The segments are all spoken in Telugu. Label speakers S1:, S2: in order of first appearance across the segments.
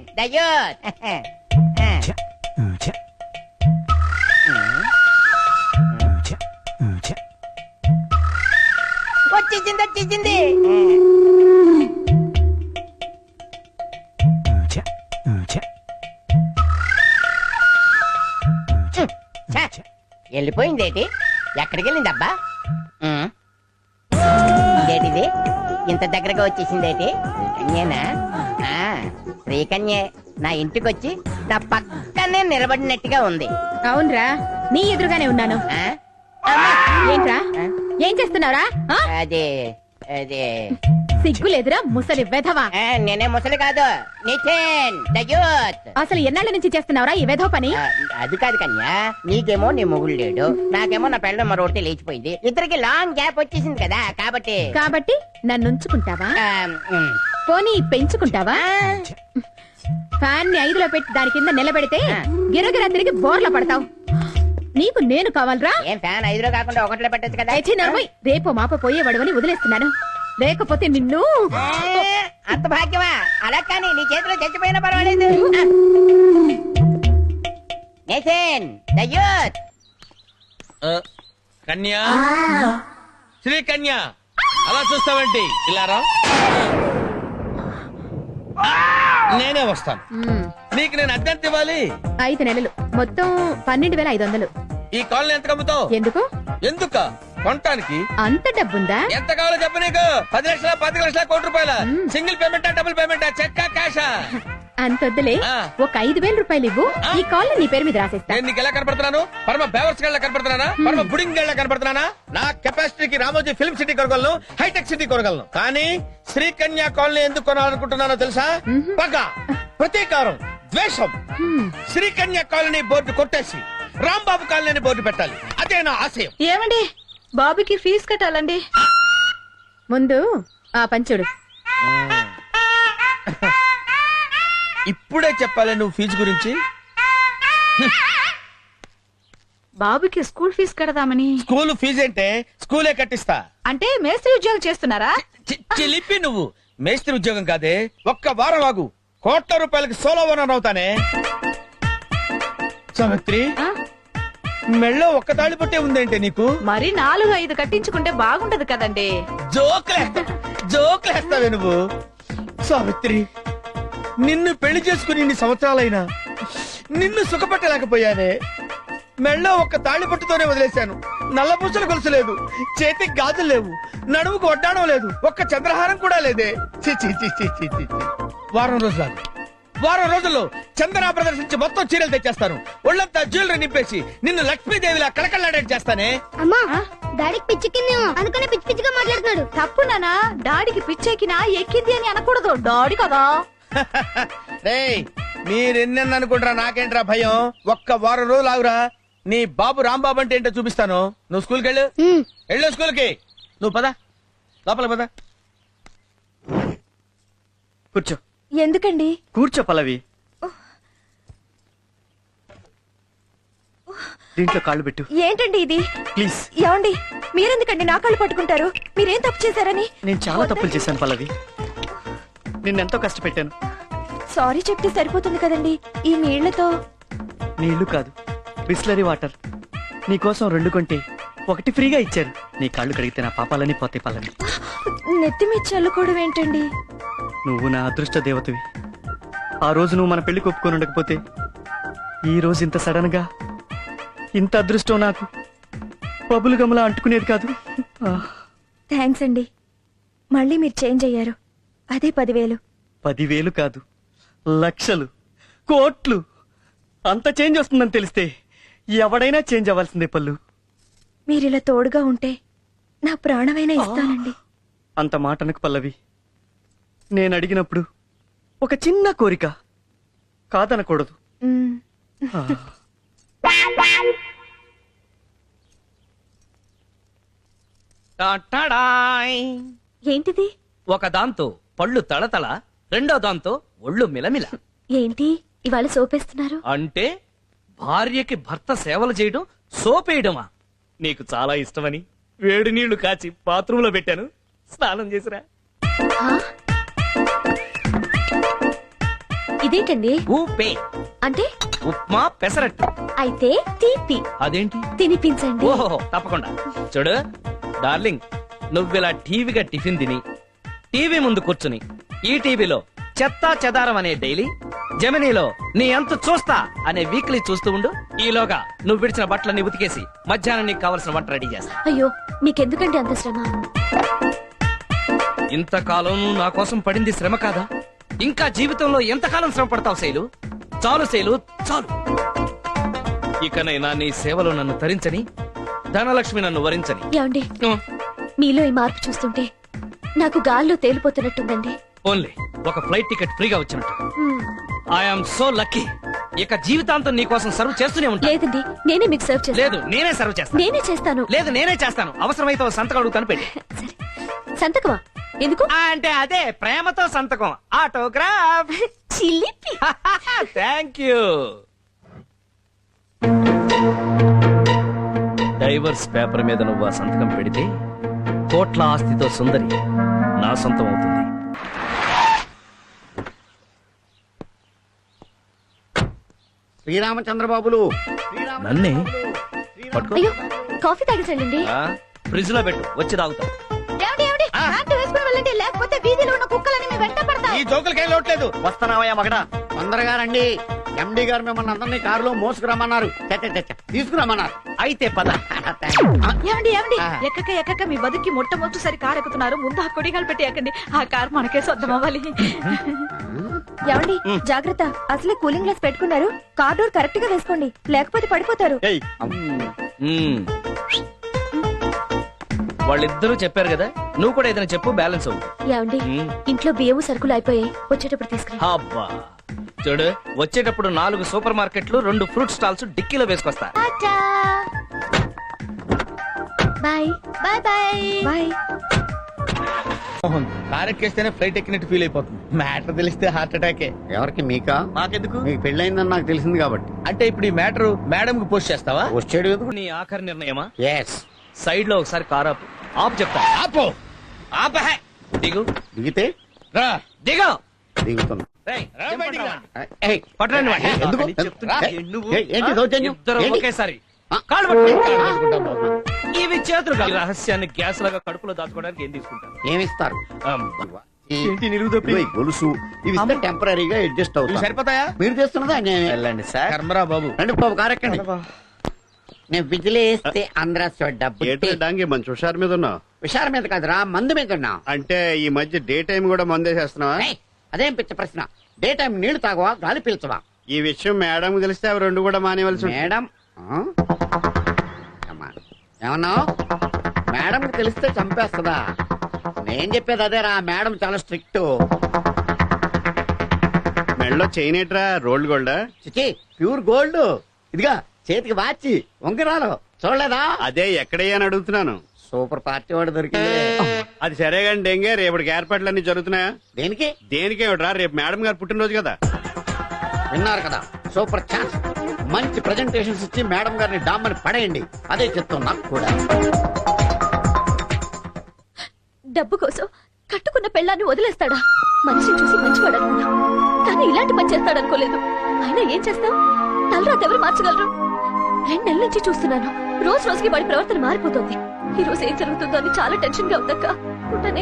S1: దయ్యోత్ వచ్చేసింది వెళ్ళిపోయిందేటి? ఎక్కడికి వెళ్ళిందబ్బా? ఇదేటిది ఇంత దగ్గరగా వచ్చేసిందేటి? శ్రీకన్యేనా? శ్రీకన్యే నా ఇంటికొచ్చి నా పక్కనే నిలబడినట్టుగా ఉంది.
S2: అవునరా, నీ ఎదురుగానే ఉన్నాను. ఏంట్రా, ఏం చేస్తున్నావురా?
S1: అదే అదే
S2: సిగ్గులేదురా ముసలి వెధవా?
S1: నేనే ముసలి కాదు, నితిన్ దయ్యోత్.
S2: అసలు ఎన్నాళ్ళ నుంచి చేస్తున్నావురా ఈ వెధవ పని?
S1: అది కాదు కన్యా, నీకేమో నీ మొగుడు లేడు, నాకేమో నా పెళ్ళ మరొకటి లేచిపోయింది. ఇద్దరికి లాంగ్ గ్యాప్ వచ్చేసింది కదా, కాబట్టి
S2: నన్ను ఉంచుకుంటావా? పోనీ పెంచుకుంటావా? ఫ్యాన్ ని 5లో పెట్టి దాని కింద నిలబెడితే గిరగిరా తిరిగి బోర్ల పడతావు. నీకు నేను కావాలరా?
S1: ఏం ఫ్యాన్ 5లో కాకుండా 1లో పెట్టచ్చు కదా?
S2: రేపు మాప పోయేవాడవని వదిలేస్తున్నాను, లేకపోతే నిన్ను.
S1: అంత భాగ్యమా? అలా కానీ నీ చేతిలో చచ్చిపోయినా పర్వాలేదు. నితిన్ దయ్యోత్.
S3: కన్యా, శ్రీ కన్యా, అలా చూస్తావేంటి? ఇలారా, నేనే వస్తాను. నీకు నేను అద్దెంత ఇవ్వాలి?
S2: 5 నెలలు, మొత్తం 12,500.
S3: ఈ కాలనీ ఎంత కమ్ముతావు?
S2: ఎందుకు?
S3: ఎందుక కొనటానికి.
S2: అంత డబ్బుందా?
S3: ఎంత కావాలో చెప్పు. నీకు 10 లక్షల, 10 లక్షల, కోటి రూపాయల? Single పేమెంటా, double పేమెంటా, చెక్కా, క్యాషా?
S2: అంతొద్దులే, ఒక 5,000 రూపాయలు ఇవ్వు, ఈ కాల్ నీ పేరు మీద రాసేస్తా.
S3: నేను నీకు ఎలా కనపడుతున్నాను? పరమ బేవర్స్ గళ్ళ కనపడుతున్నానా? పరమ బుడింగ్ గళ్ళ కనపడుతున్నానా? నా కెపాసిటీకి రామోజీ ఫిల్మ్ సిటీ కొనగలను, హైటెక్ సిటీ కొనగలను. కానీ శ్రీకన్యా కాలనీ ఎందుకు కొనాలనుకుంటున్నానో తెలుసా? పగ, ప్రతీకారం, ద్వేషం. శ్రీకన్యా కాలనీ బోర్డు కొట్టేసి రాంబాబు కాలనీ బోర్డు పెట్టాలి, అదే నా ఆశయం.
S2: ఏమండి, బాబుకి ఫీజు కట్టాలండి. ముందు ఆ పంచుడు.
S3: ఇప్పుడే చెప్పాలి నువ్వు ఫీజు గురించి?
S2: బాబుకి స్కూల్ ఫీజు కడదామని.
S3: స్కూల్ ఫీజు అంటే స్కూలే కట్టిస్తా.
S2: అంటే మేస్త్రి ఉద్యోగం చేస్తున్నారా?
S3: చిలిపి నువ్వు. మేస్త్రి ఉద్యోగం కాదే, ఒక్క వారం ఆగు, కోట్ల రూపాయలకి సోలో ఓనర్ అవుతానే. సావిత్రి, మెళ్ళో ఒక్క తాళి పట్టే ఉందంటే నీకు?
S2: మరి 4-5 కట్టించుకుంటే బాగుంటది కదండి.
S3: జోకులేస్తావే నువ్వు. సావిత్రి, నిన్ను పెళ్లి చేసుకుని ఇన్ని సంవత్సరాలైనా నిన్ను సుఖపెట్టలేకపోయానే. మెళ్ళో ఒక్క తాళి పట్టుతోనే వదిలేశాను. నల్లపూసలు గొలుసు లేదు, చేతికి గాజులు లేవు, నడుముకు వడ్డాణం లేదు, ఒక్క చంద్రహారం కూడా లేదే. వారం రోజుల్లో చందనా ప్రదర్శించి మొత్తం చీరలు తెచ్చేస్తాను. ఒళ్ళంతా జ్యువెలరీ నింపేసి నిన్ను లక్ష్మీదేవిలా కళకళలాడేట్ చేస్తానే.
S4: అమ్మా, డాడీకి పిచ్చెక్కిందేమో, అందుకనే పిచ్చి పిచ్చిగా మాట్లాడుతున్నాడు.
S2: తప్పు నానా, డాడీకి పిచ్చెక్కినా ఎక్కింది అని అనకూడదు, డాడీ కదా.
S3: రేయ్, మీరెన్నెన్న అనుకుంటారా, నాకేంట్రా భయం. ఒక్క వారం రోజులు ఆగురా, నీ బాబు రాంబాబు అంటే ఏంటో చూపిస్తాను. నువ్వు స్కూల్కి వెళ్ళు స్కూల్కి. నువ్వు పద, లోపల పద. కూర్చో.
S2: ఎందుకండి?
S5: కూర్చో పల్లవి. దీంట్లో కాళ్ళు పెట్టు.
S2: ఏంటండి ఇది?
S5: ప్లీజ్.
S2: ఏమండి, మీరెందుకండి నా కాళ్ళు పట్టుకుంటారు? మీరేం తప్పు చేశారని?
S5: నేను చాలా తప్పులు చేశాను పల్లవి, నిన్నెంతో కష్టపెట్టాను.
S2: సారీ చెప్తే సరిపోతుంది కదండి. ఈ నీళ్లతో.
S5: నీళ్లు కాదు, బిస్లరీ వాటర్. నీకోసం 2 కొంటే 1 ఫ్రీగా ఇచ్చారు. నీ కాళ్ళు కడిగితే నా పాపాలని పోతే పల్లవి.
S2: నెత్తి మీద చల్లుకోవడం ఏంటండి?
S5: నువ్వు నా అదృష్ట దేవతవి. ఆ రోజు నువ్వు మన పెళ్లి ఒప్పుకొని ఉండకపోతే ఈ రోజు ఇంత సడన్ గా ఇంత అదృష్టం నాకు పబులు గమలా అంటుకునేది కాదు.
S2: థ్యాంక్స్ అండి, మళ్ళీ మీరు చేంజ్ అయ్యారు. అదే 10,000.
S5: 10,000 కాదు, లక్షలు, కోట్లు. అంత చేంజ్ వస్తుందని తెలిస్తే ఎవడైనా చేంజ్ అవ్వాల్సిందే పల్లు.
S2: మీరిలా తోడుగా ఉంటే నా ప్రాణమైనా ఇస్తానండి.
S5: అంత మాటనకు పల్లవి. నేను అడిగినప్పుడు ఒక చిన్న కోరిక, కాదనకూడదు.
S2: ఏంటిది?
S6: ఒక దాంతో పళ్ళు తళతళ, రెండో దాంతో ఒళ్ళు మిలమిల.
S2: ఏంటి ఇవాళ సోపేస్తున్నారు?
S6: అంటే భార్యకి భర్త సేవలు చేయడం సోపేయడమా? నీకు చాలా ఇష్టమని వేడి నీళ్లు కాచి బాత్రూంలో పెట్టాను, స్నానం చేసిరా.
S7: ఇదేంటండి?
S6: ఊపే
S7: అంటే
S6: ఉప్మా పెసరట్టు.
S7: అయితే తీపి
S6: అదేంటి?
S7: తినిపించండి.
S6: ఓహో తప్పకుండా. చూడు డార్లింగ్, నువ్విలా టీవీగా టిఫిన్ తిని టీవీ ముందు కూర్చుని ఈ టీవీలో చెత్తా చెదారం అనే డైలీ, జెమినీలో నీ ఎంత చూస్తా అనే వీక్లీ చూస్తూ ఉండు. ఈలోగా నువ్వు విడిచిన బట్టలన్నీ ఉతికేసి మధ్యాహ్నం నీకు కావలసిన వంట రెడీ చేస్తా.
S7: అయ్యో మీకెందుకండి అంత శ్రమ?
S6: ఇంతకాలం నువ్వు నా కోసం పడింది శ్రమ కాదా? ఇంకా జీవితంలో ఎంతకాలం శ్రమ పడతావు శైలు? చాలు శైలు, చాలు. ఇకనైనా నీ సేవలో నన్ను తరించని, ధనలక్ష్మి నన్ను వరించని.
S7: ఏమండి, మీలో ఈ మార్పు చూస్తుంటే నాకు గాల్లో తేలిపోతున్నట్టుందండి.
S6: ఓన్లీ ఒక ఫ్లైట్ టికెట్ ఫ్రీగా వచ్చినట్టు.
S7: మ్మ్.
S6: I'm so lucky. ఇక జీవితాంతం నీ కోసం సర్వ్ చేస్తూనే ఉంటా.
S7: లేదండి, నేనే మీకు సర్వ్ చేస్తాను.
S6: లేదు, నేనే సర్వ్ చేస్తాను.
S7: నేనే చేస్తాను.
S6: లేదు, నేనే చేస్తాను. అవసరమైతే ఓ సంతకం అడుగుతాను, పెట్టి.
S7: సరే, సంతకమా? ఎందుకు?
S6: అంటే అదే ప్రేమతో సంతకం, ఆటోగ్రాఫ్.
S7: చిలిపి.
S6: Thank you. డైవర్స్ పేపర్ మీద నువ్వు ఆ సంతకం పెడితే కోట్ల ఆస్తితో సుందరి నా సొంతం అవుతుంది.
S8: శ్రీరామచంద్రబాబులు
S6: నన్నే పట్టుకో.
S7: అయ్యో, కాఫీ తాగేసండి.
S6: ఫ్రిడ్జ్ లో పెట్టు, వచ్చి తాగుతాం.
S2: లేకపోతే వీధిలో ఉన్న కుక్కలని మీ వెంట పడతాయి.
S3: ఈ జోకులకేం లోట్లేదు.
S5: వస్తున్నావయ్యా మగడా.
S8: తొందరగా రండి. ఎండి గారు మిమ్మల్ని అందరినీ కారులో మోసుకురమ్మన్నారు. తీసుకురమ్మన్నారు.
S6: అయితే పద.
S2: ఏమండి ఎక్కక మీ బతుకి మొట్టమొదటిసారి కారు ఎక్కుతున్నారు. ముందు ఆ కొడిగాలు పెట్టి ఎక్కండి. ఆ కారు మనకే సొంతం అవ్వాలి.
S7: ఏమండి, జాగ్రత్త. అసలే కూలింగ్ గ్లాస్ పెట్టుకున్నారు. కార్ డోర్ కరెక్ట్ గా వేసుకోండి, లేకపోతే పడిపోతారు.
S6: వాళ్ళిద్దరూ చెప్పారు కదా, నువ్వు కూడా ఏదైనా చెప్పు, బ్యాలెన్స్ అవ్వు.
S7: ఏమండి, ఇంట్లో బియ్యము సరుకులు అయిపోయాయి, వచ్చేటప్పుడు తీసుకురా.
S6: అబ్బా చూడు, వచ్చేటప్పుడు 4 సూపర్ మార్కెట్లు, 2 ఫ్రూట్ స్టాల్స్ డిక్కీలో వేసుకొస్తా.
S7: Bye bye bye bye.
S3: Car ఎక్కేస్తేనే ఫ్లైట్ ఎక్కినట్టు ఫీల్ అయిపోతుంది. మ్యాటర్ తెలిస్తే హార్ట్ అటాకే.
S8: ఎవరికి? మీకా?
S6: నాకెందుకు?
S8: మీకు పెళ్ళైందని నాకు తెలిసింది కాబట్టి.
S3: అంటే ఇప్పుడు ఈ మ్యాటర్ మేడం కి పోస్ట్ చేస్తావా?
S8: వచ్చాడు ఎందుకు?
S6: నీ ఆఖరి నిర్ణయమా?
S8: ఎస్.
S6: సైడ్ లో ఒకసారి కార్ ఆపు. ఆపు చెప్తా.
S3: ఆపో.
S6: ఆపహే. దిగు.
S8: దిగితే
S3: రా.
S6: దిగు.
S8: దిగుతున్నా.
S6: రేయ్,
S3: రా
S6: దింపండి
S3: బయటికి రా.
S6: రా.
S8: ఏయ్,
S6: పట్టరండి వాడిని.
S8: ఎందుకు?
S6: చెప్తున్నా. నువ్వు
S8: ఏంటి దౌర్జన్యం?
S6: ఇద్దరు
S8: ఏంటి?
S6: ఒకేసారి
S8: ఆ?
S6: కాళ్ళు పట్టుకో.
S3: కాళ్ళు పట్టుకుంటాం బాబు.
S6: ఇవి చేతులు కాదు. ఈ రహస్యాన్ని గ్యాస్ లాగా కడుపులో దాచుకోవడానికి ఏం తీసుకుంటాను?
S8: ఏమిస్తారు?
S5: ఏంటి నిలువుదప్పి?
S8: ఇదిగో ఈ గొలుసు ఇవి ఇస్తే టెంపరీగా అడ్జస్ట్
S3: ఇవి
S8: అవుతాయి.
S3: సరిపోతాయా?
S8: మీరు చేస్తున్నదా అన్యాయమే.
S5: వెళ్ళండి సార్.
S3: కర్మరా బాబు.
S8: రండి బాబు, కారెక్కండి. నేను విజిలేస్తే ఆంధ్ర డబ్బు
S9: డాంగి మంచి హుషారు మీద ఉన్నావు.
S8: విషారం మీద కాదురా, మందు మీద ఉన్నా.
S9: అంటే ఈ మధ్య డే టైం కూడా మందేసేస్తున్నావా?
S8: ఏయ్, అదేం పిచ్చ ప్రశ్న. డే టైం నీళ్లు తాగవా, గాలి పీల్చవా?
S9: ఈ విషయం మేడం తెలిస్తే అవి 2 కూడా మానేవలసి ఉంటుంది.
S8: మేడం ఏమన్నావు? మేడం తెలిస్తే చంపేస్తుందా? నేను చెప్పేది అదేరా, మేడం చాలా స్ట్రిక్ట్.
S9: మెడలో చైన్ ఏట్రా, రోల్డ్ గోల్డా?
S8: చిచి, ప్యూర్ గోల్డ్. ఇదిగా చేతికి వాచి, ఉంగరాలు చూడలేదా?
S9: అదే ఎక్కడయ్యా అని అడుగుతున్నాను.
S8: సూపర్ పార్టీ వాడు దొరికింది.
S9: అది సరే కానీ డెంగే, రేపటికి ఏర్పాట్లన్నీ జరుగుతున్నాయా?
S8: దేనికి?
S9: దేనికేమిట్రా, రేపు మేడం గారు పుట్టినరోజు కదా.
S8: విన్నారు కదా, సూపర్ ఛాన్స్. మంచి ప్రెజెంటేషన్స్ ఇచ్చి మేడం గారిని డామ్మని పడేయండి. అదే చెప్తాం నాకు కూడా.
S7: డబ్బు కోసం కట్టుకున్న పెళ్ళాన్ని వదిలేస్తాడా? మనిషిని చూసి మంచివాడు అనుకున్నా, కానీ ఇలాంటి పని చేస్తాడనుకోలేదు. అయినా ఏం చేస్తాం? తలరాత ఎవరు మార్చగలరు? 2 నెలల నుంచి చూస్తున్నాను. రోజు రోజుకి వాడి ప్రవర్తన మారిపోతుంది. ఈ రోజు ఏం జరుగుతుందో అని చాలా టెన్షన్ గా ఉందక్క. ఉంటానే.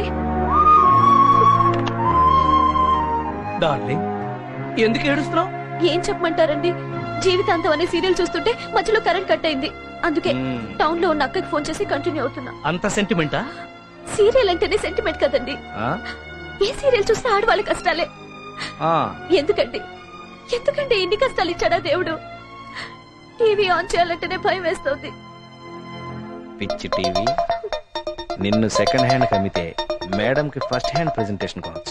S6: డార్లింగ్, ఎందుకు ఏడుస్తున్నావు?
S7: ఏం చెప్పమంటారండి, జీవితాంతం అనే సీరియల్ చూస్తుంటే మధ్యలో కరెంట్ కట్ అయింది. అందుకే టౌన్ లో ఉన్న అక్కకి ఫోన్ చేసి కంటిన్యూ అవుతున్నా.
S6: అంత సెంటిమెంటా?
S7: సీరియల్ అంటేనే సెంటిమెంట్ కదండి. ఏ సీరియల్ చూసినా ఆడవాళ్ళ కష్టాలే. ఎందుకండి ఇన్ని కష్టాలు ఇచ్చాడా దేవుడు? టీవీ ఆన్ చేయాలంటేనే భయం వేస్తుంది.
S6: పిచ్చి టీవీ, నిన్ను సెకండ్ హ్యాండ్ కమ్మితే మేడం కి ఫస్ట్ హ్యాండ్ ప్రెజెంటేషన్ కావచ్చు.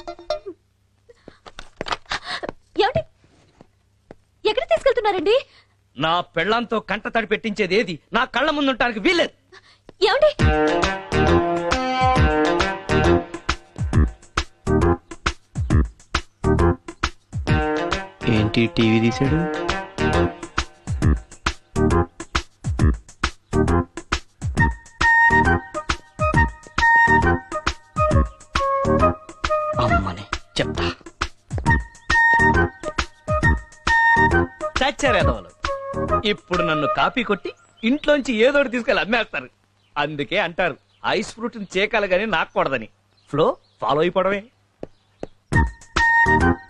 S7: ఏమండి, ఎక్కడ తీసుకెళ్తున్నారండి?
S6: నా పెళ్ళంతో కంట తడి పెట్టించేది ఏది నా కళ్ళ ముందుంటానికి వీల్లేదు.
S7: ఏమండి?
S5: ఏంటి టీవీ తీసాడు? అమ్మని చెప్తా.
S6: చచ్చారేదవలు ఇప్పుడు నన్ను కాపీ కొట్టి ఇంట్లోంచి ఏదోటి తీసుకెళ్ళి అమ్మేస్తారు. అందుకే అంటారు ఐస్ ఫ్రూట్ చేకాలి గానీ నాకూడదని. Flow follow అయిపోవడమే.